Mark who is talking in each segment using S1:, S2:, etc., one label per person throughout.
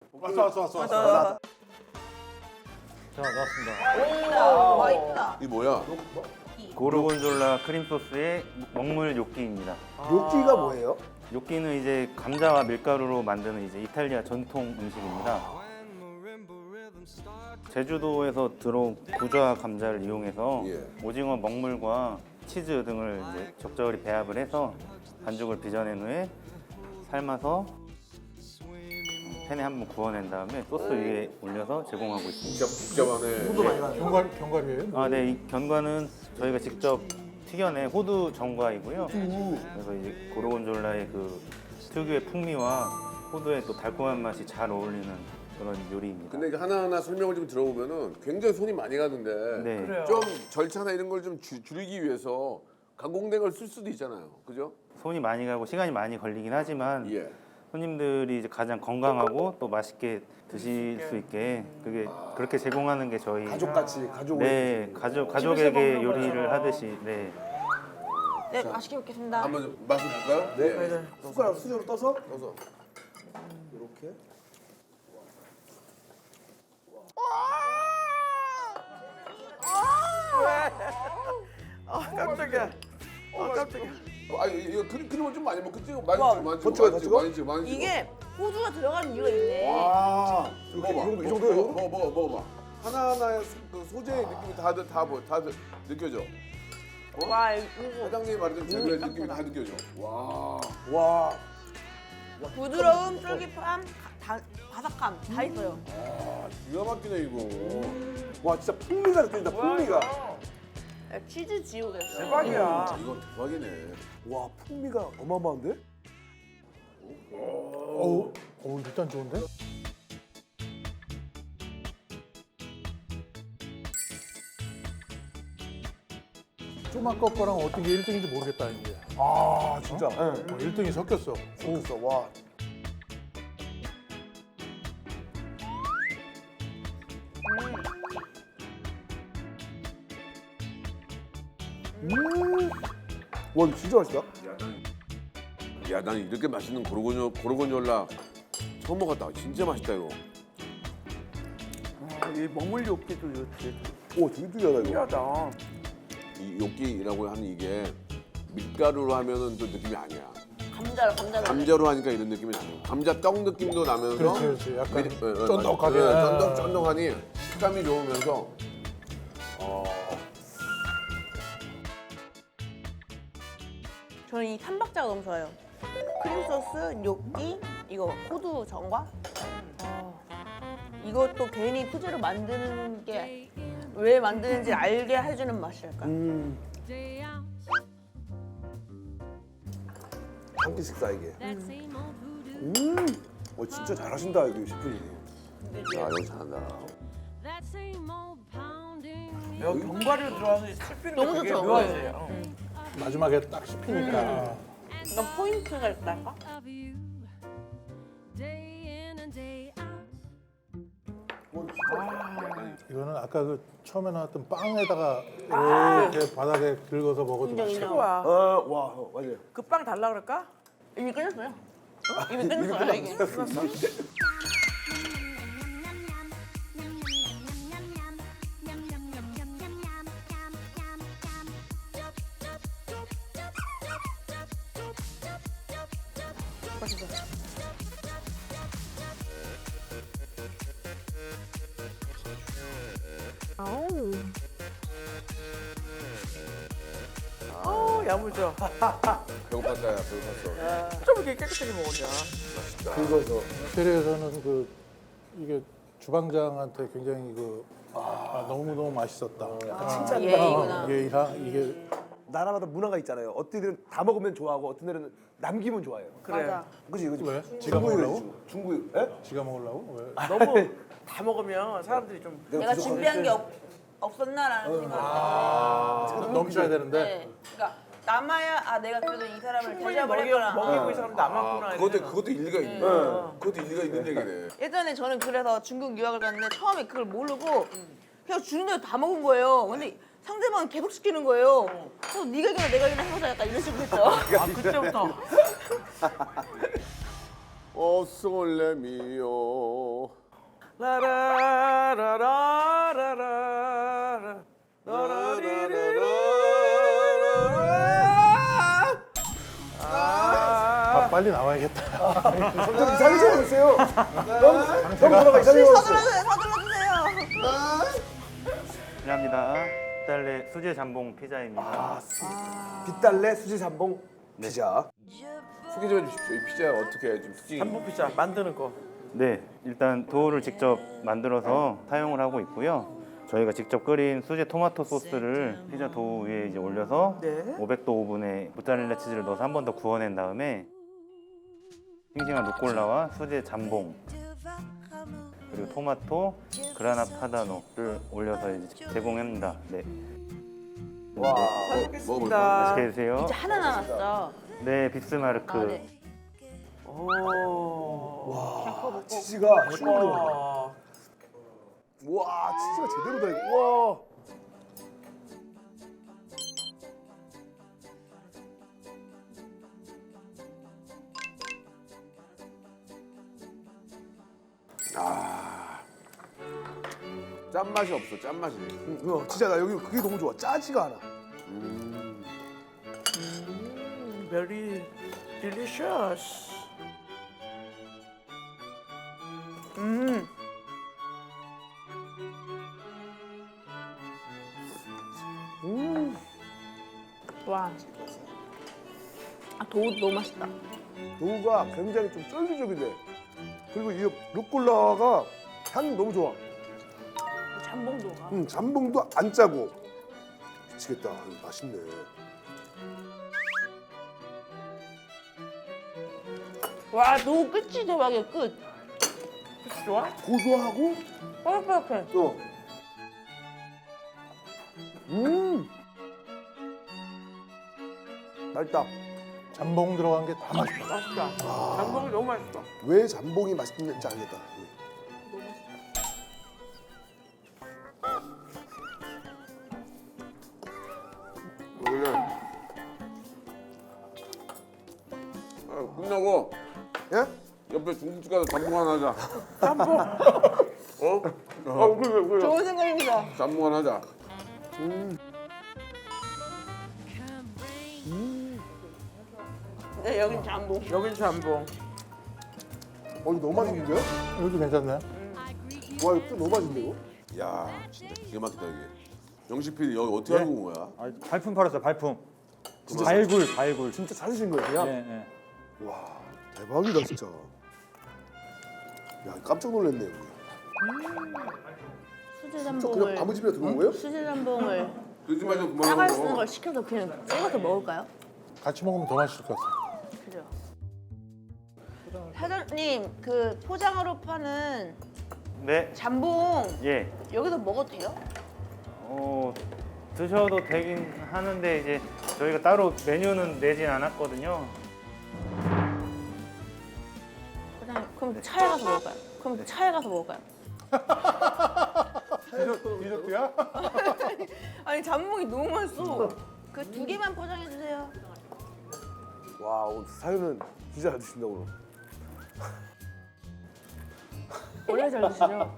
S1: 왔어.
S2: 자, 나왔습니다.
S3: 와 있다.
S1: 이 뭐야?
S2: 고르곤졸라 크림 소스의 먹물 요끼입니다.
S4: 요끼가 뭐예요?
S2: 요끼는 이제 감자와 밀가루로 만드는 이제 이탈리아 전통 음식입니다. 제주도에서 들어온 구좌 감자를 이용해서
S1: 예.
S2: 오징어 먹물과 치즈 등을 이제 적절히 배합을 해서 반죽을 빚어낸 후에 삶아서 팬에 한번 구워낸 다음에 소스 위에 올려서 제공하고 있습니다.
S1: 진짜 복잡하네.
S5: 견과류예요?
S2: 아, 네, 이 견과는 저희가 직접 튀겨낸 호두 전과이고요. 그래서 이제 고르곤졸라의 그 특유의 풍미와 호두의 또 달콤한 맛이 잘 어울리는 그런 요리입니다.
S1: 근데 이게 하나하나 설명을 좀 들어보면은 굉장히 손이 많이 가는데
S2: 네,
S1: 좀 절차나 이런 걸 좀 줄이기 위해서 가공된 걸 쓸 수도 있잖아요. 그죠?
S2: 손이 많이 가고 시간이 많이 걸리긴 하지만
S1: 예.
S2: 손님들이 이제 가장 건강하고 또 맛있게 드실 수 있게 그게 그렇게 제공하는 게 저희
S4: 가족같이 가족으로.
S2: 네 가족에게 요리를 하듯이 네.
S3: 네, 맛있게 먹겠습니다.
S1: 한번 맛을 볼까요?
S4: 네. 숟가락 수저로 떠서
S1: 떠서.
S4: 이렇게.
S3: 깜짝이야. 깜짝이야.
S1: 아 이거 크림을 좀 많이 먹겠지? 많이
S3: 와,
S1: 찍어, 많이
S4: 더
S1: 찍어,
S4: 찍어요,
S1: 많이
S4: 더
S1: 찍어, 많이 찍어, 많이 찍어.
S3: 이게 호두가 들어가는 이유가 있네.
S4: 아, 이렇게
S1: 먹어봐.
S4: 이 정도요?
S1: 먹어봐. 하나하나의 그 소재의 느낌이 다 느껴져.
S3: 와 이거
S1: 사장님이 말했던 재료의 느낌이 다 느껴져. 와.
S4: 와,
S3: 부드러움, 쫄깃함, 바삭함 다 있어요.
S1: 아, 기가 막히네 이거.
S4: 와 진짜 풍미가 느껴진다. 풍미가.
S3: 치즈 지옥이었어.
S5: 대박이야.
S1: 이건 대박이네.
S4: 와, 풍미가 어마어마한데?
S5: 어우, 일단 좋은데? 좀 아까 거랑 어떤 게 1등인지 모르겠다 이제.
S4: 아, 진짜.
S5: 1등이 섞였어.
S4: 섞였어. 와. 와, 이거 진짜 맛있다.
S1: 야, 난 이렇게 맛있는 고르곤졸라 처음 먹었다. 진짜 맛있다 이거.
S6: 이 먹물 요끼도 좋지.
S4: 오, 되게 특이하다 이거.
S6: 신기하다.
S1: 이 요끼라고 하는 이게 밀가루로 하면은 또 느낌이 아니야.
S3: 감자로.
S1: 감자로 하니까 이런 느낌이 나요. 감자 떡 느낌도 나면서
S5: 그렇지. 약간
S1: 미-
S5: 쫀득하게.
S1: 쫀득하니 식감이 좋으면서
S3: 저는 이 삼박자가 너무 좋아요. 크림 소스, 뇨끼, 이거 호두 전과. 이것도 괜히 소재로 만드는 게 왜 만드는지 알게 해주는 맛이랄까.
S4: 한 끼 식사 이게. 와, 진짜 잘하신다 이거 셰프님.
S1: 아 이거 잘한다.
S6: 여기 견과류 들어와서 씹히는 게
S3: 너무
S6: 되게
S3: 좋죠.
S6: 묘하세요.
S5: 마지막에 딱 씹히니까.
S3: 이건 포인트가 있달까?
S5: 이거는 아까 그 처음에 나왔던 빵에다가 이렇게 바닥에 긁어서 먹어도 맛있어.
S6: 최고야.
S4: 와, 맞아요.
S6: 그 빵 달라 그럴까?
S3: 이미 끝났어요. 이미 끝났어요, 이게.
S6: 야무져.
S1: 배고팠다 야 배고팠어.
S6: 좀 이렇게 깨끗하게 먹었냐.
S4: 긁어서.
S5: 호텔에서는 그 이게 주방장한테 굉장히 그 너무 맛있었다.
S4: 칭찬.
S3: 예의구나.
S5: 이게
S4: 나라마다 문화가 있잖아요. 어떤 데는 다 먹으면 좋아하고 어떤 데는 남기면 좋아해요.
S6: 그래.
S3: 맞아.
S4: 그지, 그지.
S5: 왜? 지가
S4: 중국이
S5: 먹으려고?
S4: 그러지, 중국. 예?
S5: 지가 먹으려고? 왜?
S6: 너무 다 먹으면 사람들이 좀
S3: 내가 준비한 게 없었나라는 생각이
S5: 넘쳐야 되는데.
S3: 네. 그러니까 남아야 내가 그래도 이 사람을
S6: 충분히
S3: 대접을 했구나.
S6: 먹이고 이 사람도 남았구나.
S1: 그것도 일리가 있네. 그것도 일리가 있는 얘기네.
S3: 예전에 저는 그래서 중국 유학을 갔는데 처음에 그걸 모르고 그냥 주는 대로 다 먹은 거예요. 근데 상대방은 계속 시키는 거예요. 그래서 네가 이기나 내가 이기나 해보자 약간 이런 식으로 했죠.
S6: 그때부터.
S1: 솔레미오.
S6: 라라라라라라. 라라리리리.
S5: 아, 빨리 나와야겠다.
S4: 좀 이상해져 보세요. 너무 돌아가 이상해져 보세요.
S3: 서둘러주세요. 서둘러주세요.
S2: 감사합니다. 달래 수제 잠봉 피자입니다.
S4: 빛달래 수지 잠봉 피자.
S1: 소개 좀 해주십시오. 이 피자 어떻게 좀 특징이?
S6: 한복 피자 만드는 거.
S2: 네, 일단 도우를 직접 만들어서 사용을 하고 있고요. 저희가 직접 끓인 수제 토마토 소스를 피자 도우 위에 이제 올려서
S6: 네.
S2: 500도 오븐에 모짜렐라 치즈를 넣어서 한 번 더 구워낸 다음에 싱싱한 루꼴라와 수제 잠봉 그리고 토마토, 그라나 파다노를 올려서 이제 제공합니다. 네.
S4: 와.
S6: 잘 먹겠습니다.
S1: 먹어볼까?
S2: 맛있게 드세요.
S3: 진짜 하나 남았어.
S2: 네, 빅스마르크.
S3: 아, 네.
S6: 오.
S4: 치즈가 슈로.
S6: 와.
S4: 와 치즈가 제대로다 이거. 와.
S1: 짠맛이 없어. 짠맛이.
S4: 진짜 나 여기 그게 너무 좋아. 짜지가 않아.
S6: Very delicious.
S3: 와. 아, 도우 너무 맛있다.
S4: 도우가 굉장히 좀 쫄깃쫄깃해. 그리고 이 루꼴라가 향이 너무 좋아.
S3: 잠봉도가.
S4: 잠봉도 안 짜고. 미치겠다. 이거 맛있네.
S3: 와, 도우 끝이 대박이야, 끝.
S6: 좋아?
S4: 고소하고
S3: 뽀얗뽀얗해.
S4: 또. 맛있다.
S5: 잠봉 들어간 게 다 맛있다.
S6: 맛있다. 장봉이 너무 맛있어.
S4: 왜 잠봉이 맛있는지 알겠다.
S1: 원래 끝나고
S4: 예?
S1: 옆에 중국집 가서 잠봉 하나 하자.
S6: 짬뽕.
S1: 어? 그래.
S3: 좋은 생각입니다.
S1: 잠봉 하나 하자.
S3: 네, 여긴 잠봉.
S6: 여긴 짬뽕.
S4: 이거 너무 맛있는데요?
S5: 이것도 괜찮네.
S4: 와 이거 또 너무 맛있는데 이거?
S1: 야, 진짜 기가 막히다 이게. 영식 PD 여기 어떻게 알고 온 거야?
S7: 아, 발품 팔았어요, 발품. 발굴, 발굴.
S4: 진짜 찾으신 거예요 그냥?
S7: 예, 예.
S4: 와 대박이다 진짜. 야 깜짝 놀랐네요.
S3: 수제
S4: 저
S3: 잠봉을.
S4: 그냥 아무 집이나 들어온 거예요?
S3: 수제 잠봉을
S1: 거짓말 좀 그만하고.
S3: 싸갈 쓰는 걸 시켜서 그냥 찍어서 먹을까요?
S5: 같이 먹으면 더 맛있을 것 같아.
S3: 그죠. 사장님, 그 포장으로 파는
S2: 네,
S3: 잠봉
S2: 예.
S3: 여기서 먹어도 돼요?
S2: 드셔도 되긴 하는데 이제 저희가 따로 메뉴는 내진 않았거든요.
S3: 사장님, 그럼 차에 가서 먹을까요? 그럼 차에 가서 먹을까요?
S5: 디저트야?
S3: 아니 잠봉이 너무 맛있어. 그 2개만 포장해 주세요.
S4: 와 오늘 사연은 진짜 잘 드신다 오늘.
S3: 원래 잘 드시죠?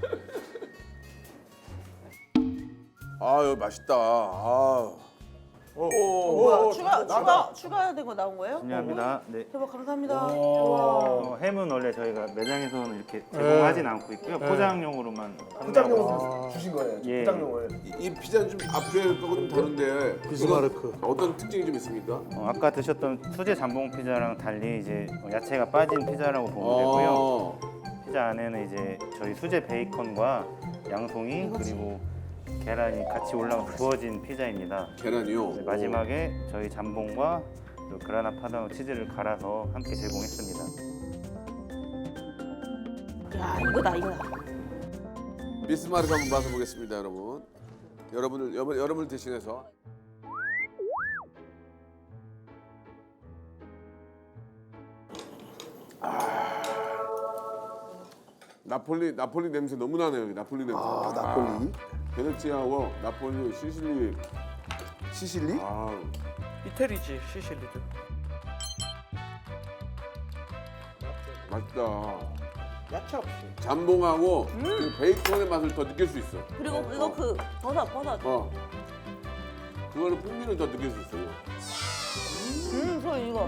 S1: 아, 여기 맛있다. 아.
S3: 뭐야? 추가된 거 나온 거예요?
S2: 중요합니다. 네.
S3: 대박 감사합니다. 와.
S2: 햄은 원래 저희가 매장에서는 이렇게 제공하진 않고 있고요. 포장용으로만
S4: 포장용으로 주신 거예요.
S2: 예.
S4: 포장용을.
S1: 이 피자는 좀 앞에 거하고 좀 다른데
S5: 비스마르크.
S1: 이건 어떤 특징이 좀 있습니까?
S2: 아까 드셨던 수제 잠봉 피자랑 달리 이제 야채가 빠진 피자라고 보면 되고요. 피자 안에는 이제 저희 수제 베이컨과 양송이 그리고 계란이 같이 올라가 구워진 피자입니다.
S1: 계란이요.
S2: 네, 마지막에 저희 잠봉과 또 그라나 파다노 치즈를 갈아서 함께 제공했습니다.
S3: 야 이거다 이거다.
S1: 비스마르크 한번 맛을 보겠습니다, 여러분. 여러분을 대신해서. 나폴리 냄새 너무 나네요. 여기 나폴리 냄새.
S4: 나폴리.
S1: 베네치아하고 나폴리, 시실리.
S4: 시실리?
S1: 아,
S6: 이태리지 시실리도.
S1: 맛있다.
S4: 야채 없이.
S1: 잠봉하고 그 베이컨의 맛을 더 느낄 수 있어.
S3: 그리고 이거 그 버섯.
S1: 그거는 풍미를 더 느낄 수 있어.
S3: 저 이거.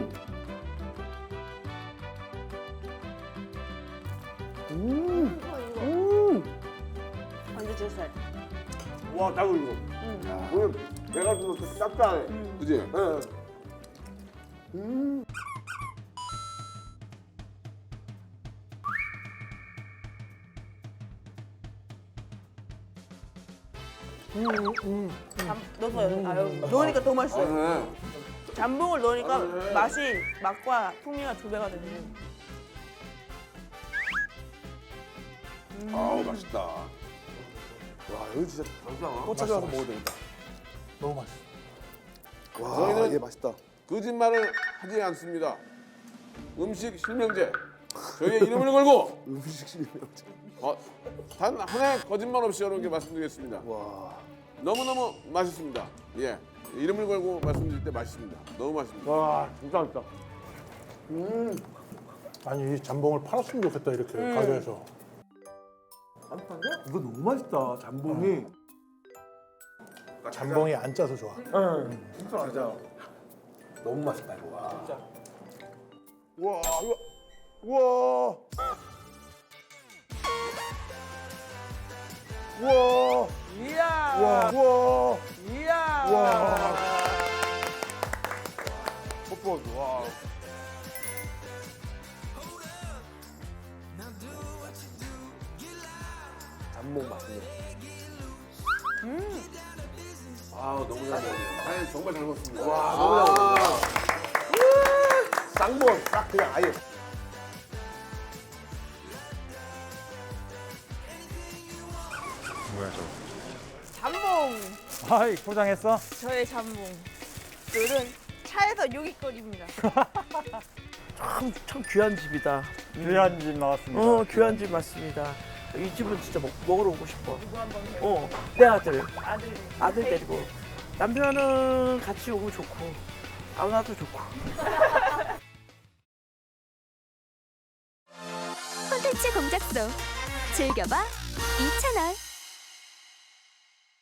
S3: 완전 제 스타일.
S4: 와, 나도 이거. 오늘 내가 좀 짭짤해.
S1: 그지?
S4: 예.
S3: 넣으니까 더 맛있어요.
S1: 네.
S3: 잠봉을 넣으니까 맛과 풍미가 2배가 되네요.
S1: 아우 맛있다.
S4: 와, 여기 진짜 또 찾아와서 먹어야 되겠다.
S5: 너무 맛있어.
S4: 와,
S1: 저희는
S4: 얘 맛있다.
S1: 거짓말을 하지 않습니다. 음식 실명제. 저희의 이름을 걸고
S4: 음식 실명제.
S1: 단 하나의 거짓말 없이 여러분께 말씀드리겠습니다.
S4: 와.
S1: 너무너무 맛있습니다. 예. 이름을 걸고 말씀드릴 때 맛있습니다. 너무 맛있습니다.
S4: 와, 진짜 맛있다.
S5: 아니 이 잠봉을 팔았으면 좋겠다 이렇게 가게에서.
S4: 이거 너무 맛있다. 잠봉이.
S5: 잠봉이 안 짜서 좋아.
S4: 진짜 맞아. 너무 맛있다 이거. 와. 진짜. 와, 이거. 와. 와.
S6: 이야.
S4: 와. 와.
S6: 이야.
S4: 와. 뽀뽀. 와. 잠봉 맛있네.
S1: 아 너무 잘 먹었네요. 아니, 정말 잘 먹었습니다.
S4: 와, 너무 잘 먹었다. 쌍봉 싹 그냥 아예.
S7: 뭐야 저거?
S3: 잠봉.
S7: 아이 포장했어?
S3: 저의 잠봉. 오늘은 차에서 요깃거리입니다.
S6: 참 귀한 집이다.
S7: 귀한 집 나왔습니다.
S6: 귀한 집 맞습니다. 이 집은 진짜 먹으러 오고 싶어. 내 아들 데리고. 남편은 같이 오면 좋고, 안 와도 좋고.
S8: 콘텐츠 공작소 즐겨봐 이채널.